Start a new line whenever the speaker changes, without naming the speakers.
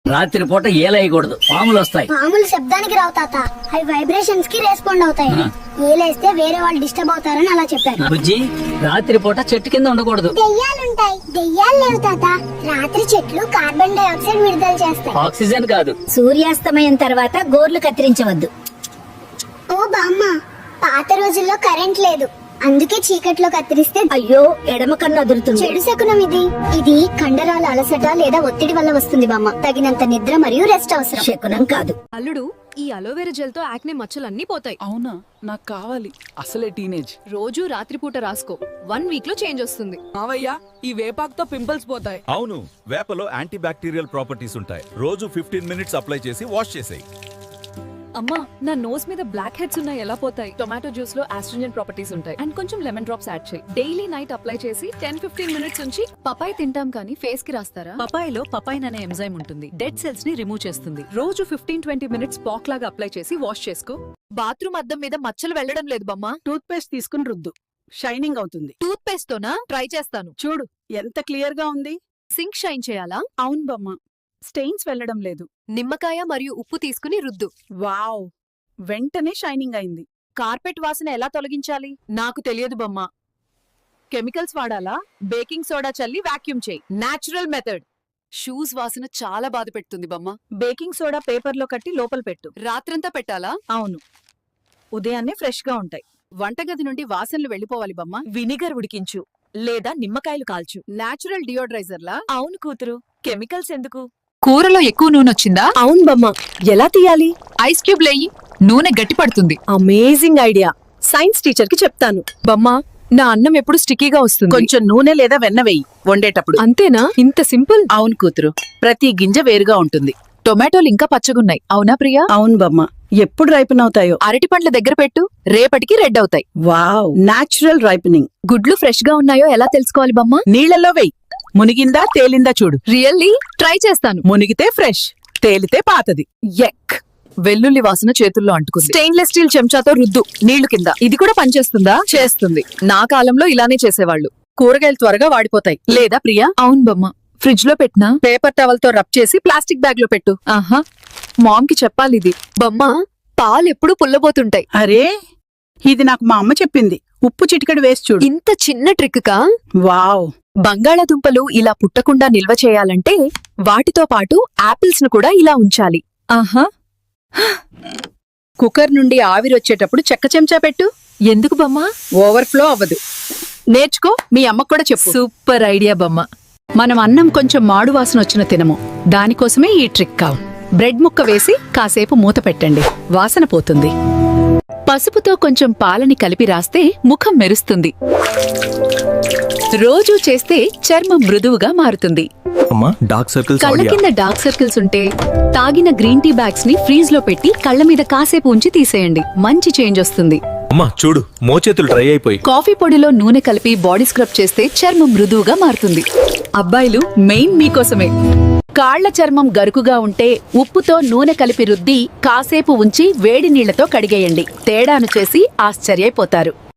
రాత్రి పూట ఏలేయకూడదు, పాములు వస్తాయి.
పాములు శబ్దానికి రావు తాత, అవి వైబ్రేషన్స్ కి రెస్పాండ్ అవుతాయి. ఏలేస్తే వేరే వాళ్ళు డిస్టర్బ్ అవుతారని అలా చెప్పారు.
బుజ్జి, రాత్రి పూట చెట్టు కింద ఉండకూడదు.
దెయ్యాలుంటాయి. దెయ్యాలు లేవు తాత, రాత్రి చెట్లు కార్బన్ డైఆక్సైడ్ విడుదల చేస్తాయి,
ఆక్సిజన్ కాదు.
సూర్యాస్తమయం తర్వాత గోర్లు కత్తిరించవద్దు.
ఓ బామ్మ, పాత రోజుల్లో కరెంట్ లేదు, అందుకే చీకట్లో కత్తిరిస్తే
అయ్యో, ఎడమ కన్ను అదురుతుంది.
చెడు శకునం ఇది కండరాల అలసట లేదా ఒత్తిడి వల్ల వస్తుంది బామ్మ. తగినంత నిద్ర మరియు రెస్ట్ అవసరం.
శకునం కాదు.
అల్లుడు, ఈ అలోవెరా జెల్ తో యాక్నే మచ్చలన్నీ పోతాయి.
అవునా, నాకు కావాలి. అసలే టీనేజ్.
రోజు రాత్రిపూట రాసుకో, 1 వీక్ లో చేంజ్ వస్తుంది.
మావయ్య, ఈ వేపాకుతో పింపుల్స్ పోతాయి.
అవును, వేపలో యాంటీ బ్యాక్టీరియల్ ప్రాపర్టీస్ ఉంటాయి. రోజు 15 మినిట్స్ అప్లై చేసి వాష్ చేసేయి.
అమ్మా, నా నోస్ మీద బ్లాక్ హెడ్స్ ఉన్నాయి, ఎలా పోతాయి? టొమాటో జ్యూస్ లో ఆస్ట్రింజెంట్ ప్రాపర్టీస్ ఉంటాయి అండ్ కొంచెం లెమన్ డ్రాప్స్ యాడ్ చేయి. డైలీ నైట్ అప్లై చేసి 10-15 మినిట్స్ ఉంచి పపాయ తింటాం కానీ ఫేస్ కి రాస్తారా?
పపాయిలో పపైన్ అనే ఎంజైమ్ ఉంటుంది. డెడ్ సెల్స్ ని రిమూవ్ చేస్తుంది. రోజు 15-20 మినిట్స్ పాక్ లాగా అప్లై చేసి వాష్ చేసుకో.
బాత్రూమ్ అద్దం మీద మచ్చలు వెళ్ళడం లేదు బమ్మా.
టూత్ పేస్ట్ తీసుకుని రుద్దు, షైనింగ్ అవుతుంది.
టూత్ పేస్ట్ తోనా? ట్రై చేస్తాను.
చూడు ఎంత క్లియర్ గా ఉంది.
సింక్ షైన్ చేయాలా?
అవును బమ్మ, స్టెయిన్స్ వెళ్ళడం లేదు.
నిమ్మకాయ మరియు ఉప్పు తీసుకుని రుద్దు.
వావ్, వెంటనే షైనింగ్ అయింది.
కార్పెట్ వాసన ఎలా తొలగించాలి? నాకు తెలియదు బమ్మా. కెమికల్స్ వాడాలా? బేకింగ్ సోడా చల్లి వాక్యూమ్ చేయి. Natural method. షూస్ వాసన చాలా బాధ పెడుతుంది బమ్మా.
బేకింగ్ సోడా పేపర్ లో కట్టి లోపల పెట్టు.
రాత్రంతా పెట్టాలా?
అవును, ఉదయాన్నే ఫ్రెష్ గా ఉంటాయి.
వంటగది నుండి వాసనలు వెళ్ళిపోవాలి బమ్మా.
వినిగర్ ఉడికించు లేదా నిమ్మకాయలు కాల్చు.
నాచురల్ డియోడ్రైజర్లా?
అవును కూతురు, కెమికల్స్ ఎందుకు?
కూరలో ఎక్కువ నూనె వచ్చిందా?
అవును బమ్మ, ఎలా తీయాలి?
ఐస్ క్యూబ్ లేయి, నూనె గట్టి పడుతుంది.
Amazing idea. సైన్స్ టీచర్ కి చెప్తాను.
బమ్మా, నా అన్నం ఎప్పుడు స్టిక్కీగా వస్తుంది.
కొంచెం నూనె లేదా వెన్న వెయ్యి వండేటప్పుడు.
అంతేనా? ఇంత సింపుల్?
అవును కూతురు, ప్రతి గింజ వేరుగా ఉంటుంది.
టొమాటోలు ఇంకా పచ్చగున్నాయి, అవునా ప్రియా?
అవును బమ్మ, ఎప్పుడు రైపన్ అవుతాయో.
అరటి పండ్ల దగ్గర పెట్టు, రేపటికి రెడ్ అవుతాయి.
Wow, natural ripening.
గుడ్లు ఫ్రెష్ గా ఉన్నాయో ఎలా తెలుసుకోవాలి బమ్మా?
నీళ్లలో వెయ్యి, మునిగిందా తేలిందా చూడు.
రియల్లీ? ట్రై చేస్తాను.
మునిగితే ఫ్రెష్, తేలితే పాతది.
ఎక్, వెల్లుల్లి వాసన చేతుల్లో అంటుకుంది. స్టెయిన్లెస్ స్టీల్ చెంచాతో రుద్దు నీళ్లు కింద. ఇది కూడా పనిచేస్తుందా? చేస్తుంది. నా కాలంలో ఇలానే చేసేవాళ్ళు. కూరగాయలు త్వరగా వాడిపోతాయి. లేదా ప్రియా? అవును బమ్మ, ఫ్రిడ్జ్ లో పెట్టినా పేపర్ టవల్ తో రబ్ చేసి ప్లాస్టిక్ బ్యాగ్ లో పెట్టు. ఆహా, మామ్ కి చెప్పాలి ఇది.
బమ్మ, పాలు ఎప్పుడు పుల్లబోతుంటాయి.
అరే, ఇది నాకు మా అమ్మ చెప్పింది. ఉప్పు చిటికెడు వేసి చూడు.
ఇంత చిన్న ట్రిక్ కా?
వావ్.
బంగాళాదుంపలు ఇలా పుట్టకుండా నిల్వ చేయాలంటే వాటితో పాటు యాపిల్స్ ను కూడా ఇలా ఉంచాలి. ఆహా,
కుక్కర్ నుండి ఆవిరొచ్చేటప్పుడు చెక్క చెంచా పెట్టు.
ఎందుకు బమ్మా?
ఓవర్ఫ్లో అవ్వదు. నేర్చుకో, మీ అమ్మకు కూడా చెప్పు.
సూపర్ ఐడియా బమ్మ.
మనం అన్నం కొంచెం మాడు వాసన వచ్చిన తినము, దానికోసమే ఈ ట్రిక్ కావు. బ్రెడ్ ముక్క వేసి కాసేపు మూత పెట్టండి, వాసన పోతుంది.
పసుపుతో కొంచెం పాలని కలిపి రాస్తే ముఖం మెరుస్తుంది. రోజూ చేస్తే చర్మం మృదువుగా మారుతుంది. కళ్ళ కింద డార్క్ సర్కిల్స్ ఉంటే తాగిన గ్రీన్ టీ బ్యాగ్స్ ని ఫ్రీజ్ లో పెట్టి కళ్ళ మీద కాసేపు ఉంచి తీసేయండి, మంచి చేంజ్ వస్తుంది.
అమ్మా చూడు, మోచేతులు డ్రై అయిపోయి.
కాఫీ పొడిలో నూనె కలిపి బాడీ స్క్రబ్ చేస్తే చర్మం మృదువుగా మారుతుంది. అబ్బాయిలు మెయిన్ మీకోసమే. కాళ్ల చర్మం గరుకుగా ఉంటే ఉప్పుతో నూనె కలిపి రుద్ది కాసేపు ఉంచి వేడి నీళ్లతో కడిగేయండి. తేడాను చేసి ఆశ్చర్యపోతారు.